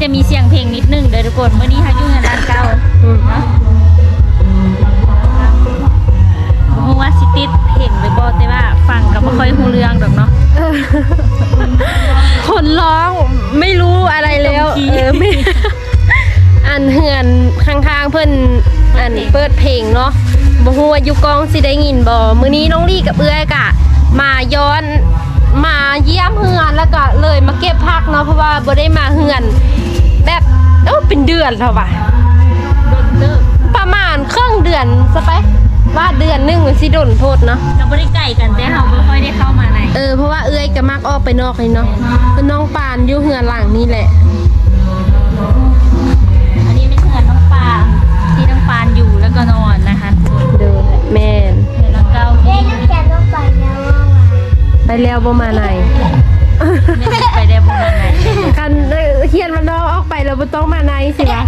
จะมีเสียงเพลงนิดนึงเด้อทุกคนเมื่อนี้เขาอยู่ในร้านเก่าเนาะเพราะว่าสิติดเพลงเลยบอกแต่ว่าฟังก็ไม่ค่อยหูเรื่องดอกเนาะคนร้องไม่รู้อะไรแล้วไม่อันเฮือนข้างๆเพิ่นอันเปิดเพลงเนาะบ่ฮู้ว่าอยู่กองสิได้ยินบ่มื้อนี้น้องลี่กับเอื้อยกะมาย้อนมาเยี่ยมเฮือนแล้วก็เลยมาเก็บผักเนาะเพราะว่าบ่ได้มาเฮือนแบบเป็นเดือนแล้วว่ะประมาณครึ่งเดือนซะไปว่าเดือนนึงมันสิโดนโทษเนาะเราไม่ได้ไก่กันแต่เราไม่ค่อยได้เข้ามาในเพราะว่าเอื้อยก็มักออกไปนอกเลยเนาะน้องปานอยู่เฮือนหลังนี่แหละอันนี้เป็นเฮือนน้องปานที่น้องปานอยู่แล้วก็นอนนะคะเดินแม่นเฮือนหลังเก่าที่น้ำแข็งต้องไปแล้วไปแล้วบ่มาไหนไม่ได้ไปได้บุญไหนกันเขียนมันน้องออกไปแล้วบ่ต้องมาไหนสิวะ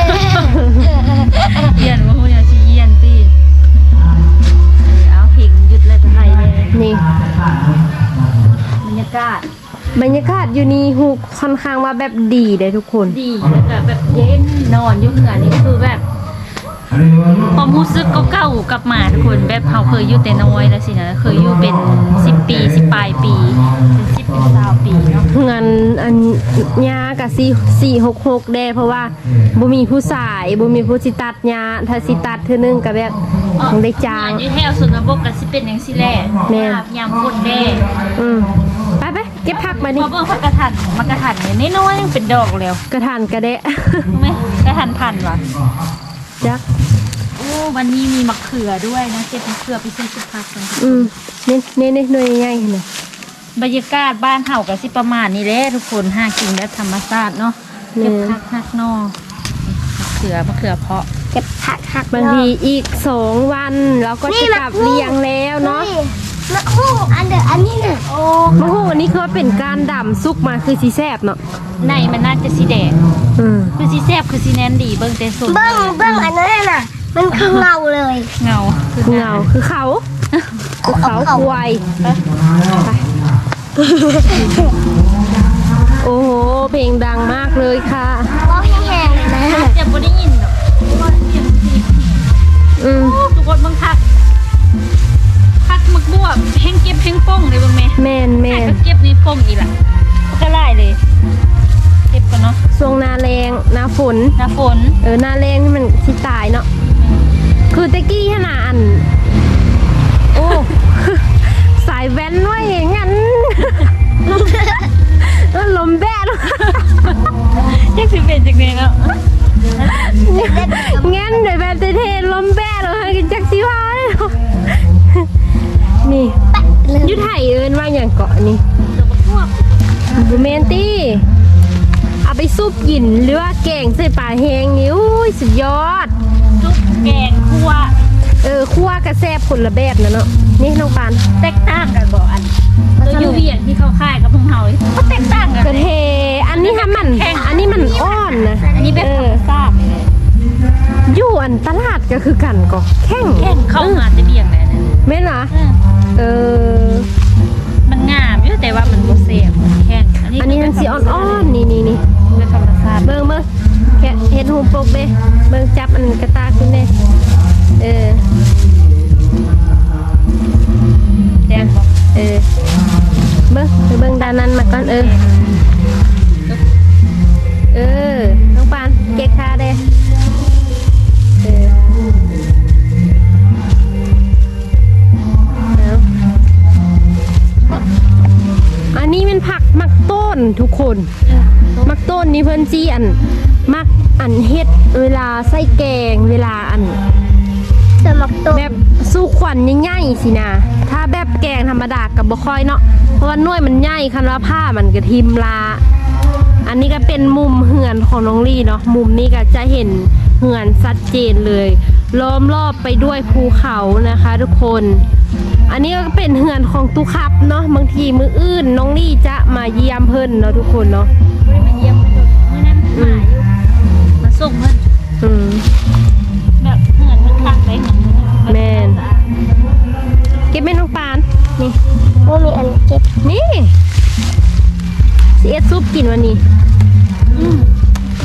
เย็นว่าพวกนี้ชี้เย็นตีเอาเพลงยุดเลยไทยเลยนี่บรรยากาศอยู่นี่ฮูกค่อนข้างว่าแบบดีเลยทุกคนดีแล้วก็แบบเย็นนอนอยู่เหือนนี่คือแบบความรู้สึกเก่าๆกลับมาทุกคนแบบเขาเคยอยู่แต่น้อยแล้วสินะเคยอยู่เป็น10 ปี10 ปลายปีเป็น10 เป็น20 ปีเนาะเงินอันยากะ466ได้เพราะว่าบ่มีผู้สายบ่มีผู้สิตัดยาถ้าสิตัดเทื่อนึงก็แบบต้องได้จ้างอยู่แถวสุนทรบกก็สิเป็นจังซี่แหละยามฝนแด้ไปเก็บผักมานี่พอเบิ่งผักกระถันนี่น้อยๆยังเป็นดอกแล้วกระถานกระเดะมั้ยกระถันพันว่ะจักโอ้วันนี้มีมะเขือด้วยนะเก็บมะเขือไปซื้อสุภาพกันนี่หน่วยใหญ่ๆนี่บรรยากาศบ้านเฮาก็สิประมาณนี้แหละทุกคนหากินแบบธรรมชาติเนาะเก็บผักนอกมะเขือเพาะเก็บผักบางทีอีก2 วันเราก็จะกลับเลี้ยงแล้วเนาะมะฮู้อันนี้น่ะโอ้มะฮู้อันนี้คือเป็นการดำซุกมาคือสิแซ่บเนาะในมันน่าจะสีแดงคือสีแซ่บคือสีแน่นดีเบิ่งแต่ส่วนเบิ่งอันนั้นน่ะมันคือเงาเลยเงาคือเขาควายโอ้โหเพลงดังมากเลยค่ะว่าแห้งๆเลยนะจะบ่ได้ยินหรอกทุกคนเบิ่งผักมึกบวบแห้งเก็บแห้งป่งเลยเบิ่งแม่แม่ก็เก็บนี่ป่งอีกล่ะก็ไล่เลยเก็บกันเนาะช่วงหน้าแรงหน้าฝนหน้าแรงนี่มันสิตายเนาะคือตะกี้ขนาดโอ้สายแว้นว่าอย่างงั้นลมแบดยังสิเป็นจังได๋เนาะงั้นเดี๋ยวแบบเท่ๆลมแบดเลยกินจักสิว่านี่ยุไทยว่าอย่างเกาะนี่บูเมนตี้เอาไปซุปกินหรือว่าแกงใส่ปลาแห้งนี่สุดยอดซุปแกงคั่วคั่วกระแซบคนละแบบนะเนาะนี่น้องปานแตกต่างกันบ่อันตัวยูเวียนที่เขาค่ายกับพวกเฮาก็แตกต่างกันกระเทอันนี้มันอ่อนนะอันนี้แบบซาบอยู่อันตลาดก็คือกันก็แข้งเข้ามาจะเบี่ยงเลยนะแม่นเหรอมันงามอยู่แต่ว่ามันบ่เสียบแข้งอันนี้มันสีอ่อนๆนี่เป็นธรรมชาติเบิ่งแค่เห็ดหูปกเด้เบิ่งจับอันกระตาขึ้นเด้แดงบ่เบิ่งด้านนั้นมาก่อนน้องปานเก็บขาเด้อันนี้เป็นผักมักต้นทุกคนมักต้นนี่เพิ่นจี้มักเฮ็ดเวลาใส่แกงเวลาแบบสู้ขวัญง่ายๆสินะถ้าแบบแกงธรรมดากับบ่ค่อยเนาะเพราะว่าหน่วยมันใหญ่คันว่าผ้ามันก็ทิมลาอันนี้ก็เป็นมุมเหือนของน้องลี่เนาะมุมนี้ก็จะเห็นเหือนชัดเจนเลยล้อมรอบไปด้วยภูเขานะคะทุกคนอันนี้ก็เป็นเหือนของตุคับเนาะบางทีมื้ออื่นน้องลี่จะมาเยี่ยมเพิ่นเนาะทุกคนเนาะมาเยี่ยมเพิ่นมื้อนั้นมาอยู่มาส่งเพิ่นแบบเหือนมันคักได้เหมือนแม่นเก็บแม่น้องปานนี่มีอันเก็บนี่สิเอ็ดซุปกินวันนี้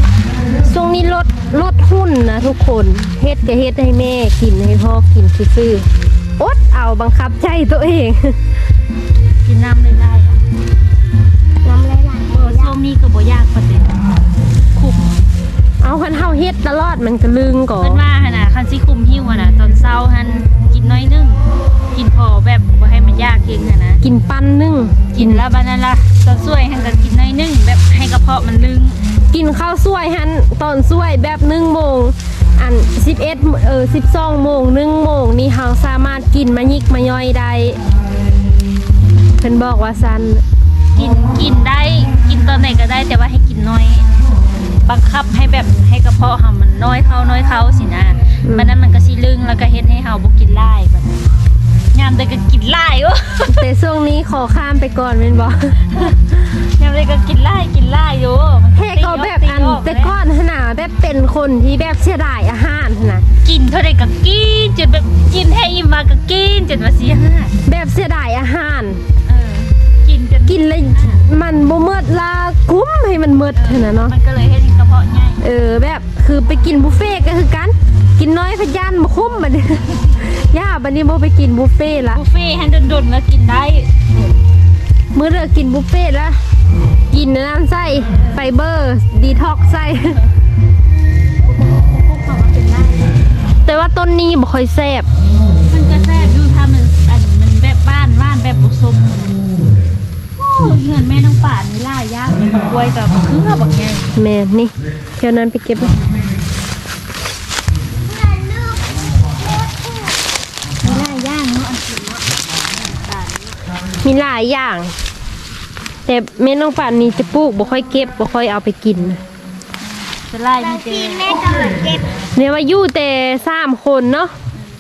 ลดหุ้นนะทุกคนเฮ็ดก็เฮ็ดให้แม่กินให้พ่อกินซื่อๆอดเอาบังคับใจตัวเองกินน้ำได้ๆอะน้ำไหลเออส้มนี่ก็บ่ยากปานใดคุมเอาคันเฮาเฮ็ดตลอดมันก็ลึงก่อเพิ่นว่าหั่นน่ะคันสิคุมหิวอะน่ะตอนเช้าหั่นกินน้อยนึงกินพอแบบบ่ให้มันยากเกินหั่นนะกินปั้นนึ่งกินแล้วบัดนั้นล่ะตอนช่วยหั่นก็กินน้อยนึงแบบให้กระเพาะมันลึงกินข้าวสวยหันตอนสวยแบบ1 โมงอัน12 โมง1 โมงนี่เฮาสามารถกินมายิกมาย่อยได้เพิ่นบอกว่าซันกินได้กินตอนไหนก็ได้แต่ว่าให้กินน้อยบังคับให้แบบให้กระเพาะเฮามันน้อยเข้าสินะบัดนั้นมันก็สิลึงแล้วก็เฮ็ดให้เฮาบ่กินหลายบัดนั้นยามใดก็กินหลายโอ้แต่ช่วงนี้ขอข้ามไปก่อนแม่นบ่ยามใดก็กินหลายอยู่มันแท้ก็แบบอันแต่ก่อนหนน่ะแบบเป็นคนที่แบบเสียดายอาหารหั่นน่ะกินเท่าใดก็กินจนแบบกินให้อิ่มมาก็กินจนว่าสิหาแบบเสียดายอาหารกินจนกินแล้วมันบ่หมดละคุ้มให้มันหมดหั่นน่ะเนาะมันก็เลยเฮ็ดให้กระเพาะใหญ่แบบคือไปกินบุฟเฟ่ต์ก็คือกันกินน้อยพะยานบ่คุ้มบัดนี้ ย่าบัดนี้บ่ไปกินบุฟเฟ่ต์ละบุฟเฟ่ต์ให้ดนๆแล้วกินได้มื้อเลิกกินบุฟเฟ่ต์ละกินน้ำไส้ไฟเบอร์ดีท็อกซ์ไส้พวกเขามันเป็นได้แต่ว่าต้นนี้บ่ค่อยแซ่บมันก็แซ่บอยู่ถ้ามันแบบบ้านแบบบุสมโอ้เงินแม่น้องป่านนี่ล่ายากเลยกล้วยกับเครือบักใหญ่แม่นี่เที่ยวนั้นไปเก็บเลยมีล่ายากเนาะอันอื่นเนาะมีหลายอย่าง แต่แม่น้องป่านนี่จะปลูกบ่ค่อยเก็บบ่ค่อยเอาไปกินนะจะไล่มีทีแต่แม่ก็มาเก็บเนี่ยว่าอยู่แต่3 คนเนาะ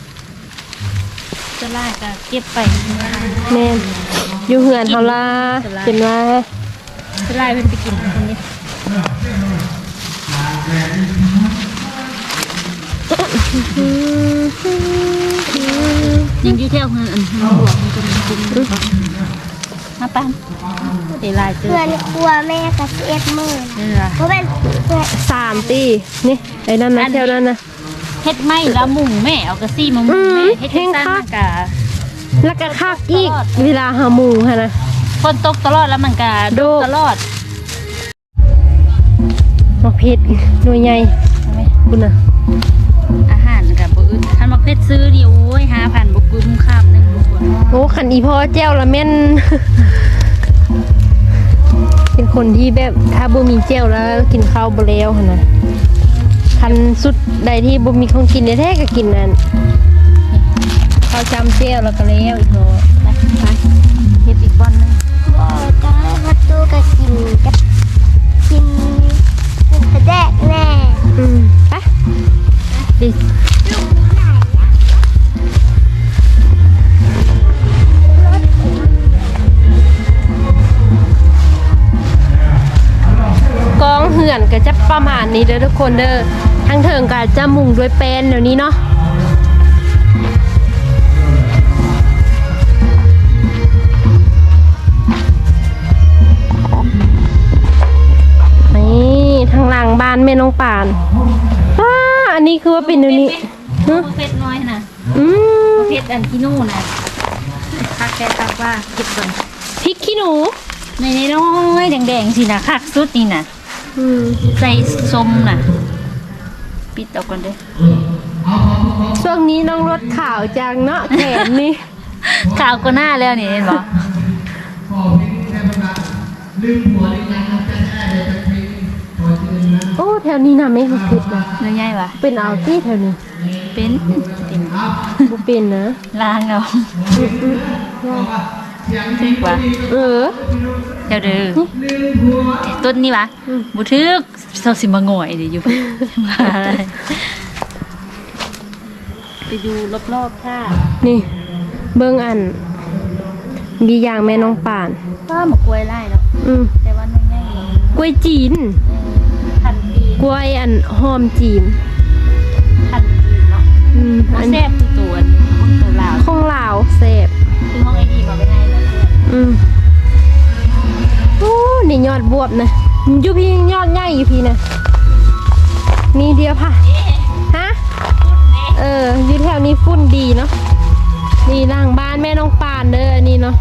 จะไล่ก็เก็บไปแม่นอยู่เฮือนเฮาล่ะเป็นว่าจะไล่เป็นไปกินคนนี้ยิงอยู่เที่ยวเงินอันหัวมันจะมีกินมาปั้นเดี๋ยวไล่เจอเพื่อนครัวแม่กับ11 มื้อนี่ล่ะเพราะเป็นเพื่อน 3 ตีนี่ไอ้นั่นนะเที่ยวนั้นนะเฮ็ดไม่ละมุงแม่เอากระซี่มามุงแม่เฮ็ดจังซั่นมันกะแล้วก็คักอีกเวลาหาหมูค่ะนะฝนตกตลอดแล้วมันกะโดกตลอดมักเผ็ดหน่วยใหญ่คุณน่ะอาหารกับบ่อึดคันมักเพชรซื้อนี่โอ้ย 5,000บ่กุ้มคาบหนึงบ่ควรโอ้ขันอีพ่อแจ้วละแม่น เป็นคนที่แบบถ้าบ่มีแจ้วแล้วกินข้าวบ่แล้วหั่นน่ะคันสุดใดที่บ่มีของกินแท้ๆก็กินนั่นข้าวจำแจ้วแล้วก็แล้วอีกเนาะไปเฮ็ดอีกบ่อนหนึงบอกจ้าประตูก็กินกระแดกแน่ไปดิ กองเหือนก็จะประมาณนี้เด้อทุกคนเด้อทั้งเถิงก็จะมุงด้วยแป้นเดี๋ยวนี้เนาะนี่ทางหลังบ้านแม่น้องป่านอันนี้คือว่าเป็นเดี๋ยวนี้บ่เพชรน้อยน่ะอืมเพชรอันที่นู่นน่ะคักแค่คักว่าเก็บก่อนพริกขี้หนูในน้อยๆแดงๆสิน่ะคักสุดนี่น่ะ ใส่ส้มน่ะ ปิดเอาก่อนเด้อช่วงนี้น้องรถข่าวจังเนาะแขนนี่ขาวกว่าหน้าแล้วนี่เห็นบ่โอ้แถวนี้นะไม่มาผิดนะเนื้อใหญ่ปะเป็นเอาตี้แถวนี้เป็นเป็นบ่เป็นนะล้างเอาถึกวะเออเดี๋ยวเด้อต้นนี้วะบ่ถึกเซาสิมาง่อยเดี๋ยวอยู่ ไปดูรอบๆค่ะนี่เบิ่งอันมีอย่างแม่น้องป่านก็มากล้วยไล่แล้ว แต่ว่าน้อยใหญ่กล้วยจีนพันปีกล้วยอันหอมจีนพันปีเนาะอันแซ่บคือตัวของตัวลาวของลาวแซ่บคือห้องไอดีมาไปให้แล้วเนี่ยโอ้นี่ยอดบวบนะอยู่พี่ยอดใหญ่อยู่พี่นะนี่เดียวค่ะฮะอยู่แถวนี้ฝุ่นดีเนาะนี่หลังบ้านแม่น้องปานเด้ออันนี้เนาะ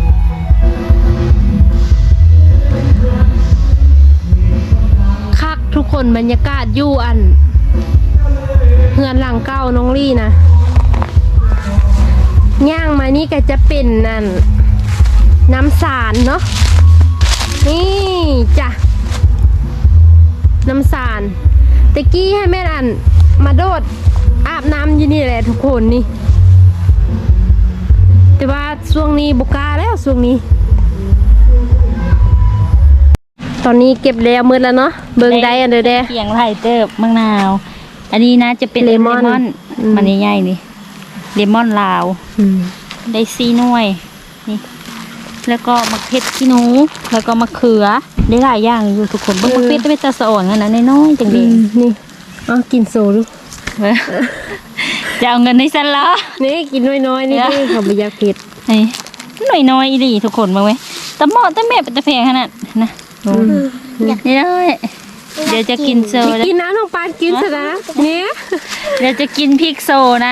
คักทุกคนบรรยากาศอยู่อันเฮือนหลังเก้าน้องลี่นะย่างมานี่ก็จะเป็นนั่นน้ำสารเนาะนี่จ้ะน้ำสารตะกี้ให้แม่อันมาโดดอาบน้ำอยู่นี่แหละทุกคนนี่แต่ว่าช่วงนี้บุกล้าแล้วช่วงนี้ ตอนนี้เก็บแล้วมืดแล้วเนาะเบิ่งได้อันเด้อเด้เขียงไผ่เติบมะนาว อันนี้นะจะเป็นเลมอนมันใหญ่ๆนี่เลมอนลาวได้4 หน่วยนี่แล้วก็มะเขือขี้หนูแล้วก็มะเขือได้หลายอย่างอยู่ทุกคนเบิ่งมะเขือเป็นตาสะอ่อนนั่นนะน้อยๆจังเด้นี่เอากินโซดูจะเอาเงินให้ฉันเหรอนี่กินน้อยๆนี่ดิเขาบ่อยากเผ็ดนี่น้อยๆอีหลีทุกคนเบิ่งไว้ตะเหมาะตะแม่เป็นตะแพงขนาดนะนี่เลยเดี๋ยวจะกินโซแล้วกินนะน้องปานกินซะนะเนี่ยเดี๋ยวจะกินพริกโซนะ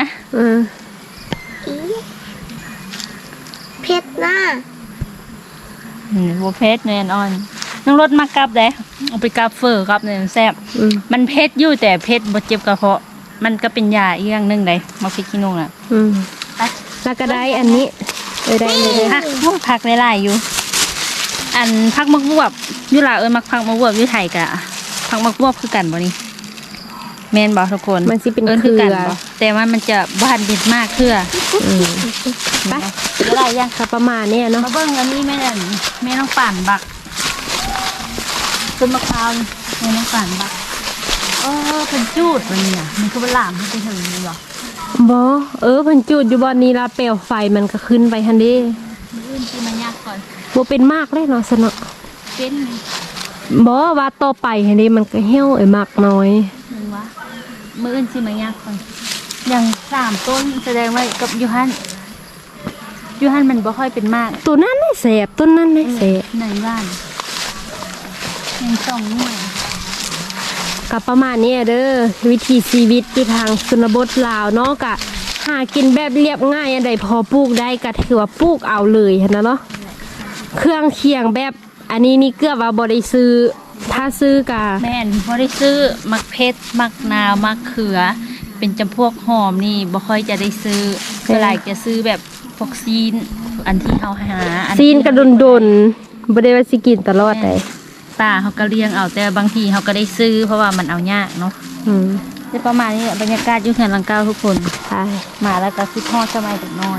เพชรหน้าบัวเพชรแน่นอนน้องรถมากลับได้เอาไปกลับเฟอร์ครับเนี่ยแซ่บมันเผ็ดอยู่แต่เผ็ดบ่เจ็บกระเพาะมันก็เป็นยาอีกอย่างหนึงได้มาพริกขี้หนูน่ะแล้วก็ได้อันนี้ได้เลยผักหลายๆอยู่ อันผักมักบวบอยู่ลาวมักผักมักบวบอยู่ไทยกะผักมักบวบคือกันบ่นี่แม่นบ่ทุกคนมันสิเป็นคือกันเครือบ่แต่ว่ามันจะบ้านเด็ดมากเครือไปอะไรยังก็ประมาณเนี้ยเนาะมาเบิ่งอันนี้แม่นั่นแม่น้องป่านบักต้นมะพร้าวนี่แม่น้องป่านบักเป็นจูดมันเนี่ยมันคือเป็นหลามมันไปถึงนี่หรอบ่เพิ่นจุดอยู่บ่อนนี้ละเปลวไฟมันก็ขึ้นไปหั่นเด้มื้ออื่นที่มันยากก่อนบ่เป็นมากเลยเนาะสนอเป็นบ่ว่าต่อไปหั่นเด้มันก็เหี่ยวมากน้อยมึงวะมื้ออื่นที่มันยากก่อนอย่าง3 ต้นแสดงว่ากับยูฮันมันบ่ค่อยเป็นมากตัวนั้นได้แสบต้นนั้นได้แสบในบ้านยัง2 หน่วยก็ประมาณนี้เด้อวิถีชีวิตอยู่ทางชนบทลาวเนาะก็หากินแบบเรียบง่ายอันใดพอปลูกได้ก็ถือว่าปลูกเอาเลยหั่นนะเนาะเครื่องเคียงแบบอันนี้นี่เกือบว่าบ่ได้ซื้อถ้าซื้อกะแม่นบ่ได้ซื้อมักเพชรมักนาวมักเขือ เป็นจำพวกหอมนี่บ่ค่อยจะได้ซื้อก็หลายจะซื้อแบบพวกซีนอันที่เฮาหาอัซีนกระดนดนๆบ่ได้ว่าสิกินตลอดได้ป่าเฮาก็เลี้ยงเอาแต่บางทีเฮาก็ได้ซื้อเพราะว่ามันเอายากเนาะ แต่ประมาณนี้แหละบรรยากาศอยู่เขื่อนลังกาวทุกคนใช่มาแล้วก็คิดฮอดสมัยเด็กน้อย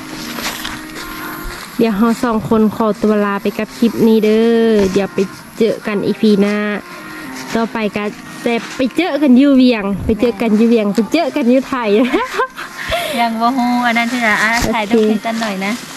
เดี๋ยวเราสองคนขอตัวลาไปกับคลิปนี้เด้อเดี๋ยวไปเจอกันอีพีหน้าต่อไปก็แต่ไปเจอกันอยู่เวียง ไปเจอกันอยู่เวียงไปเจอกันอยู่ไทยยังบ่ฮู้อันนั้นที่จะถ่ายรูปให้กันหน่อยนะ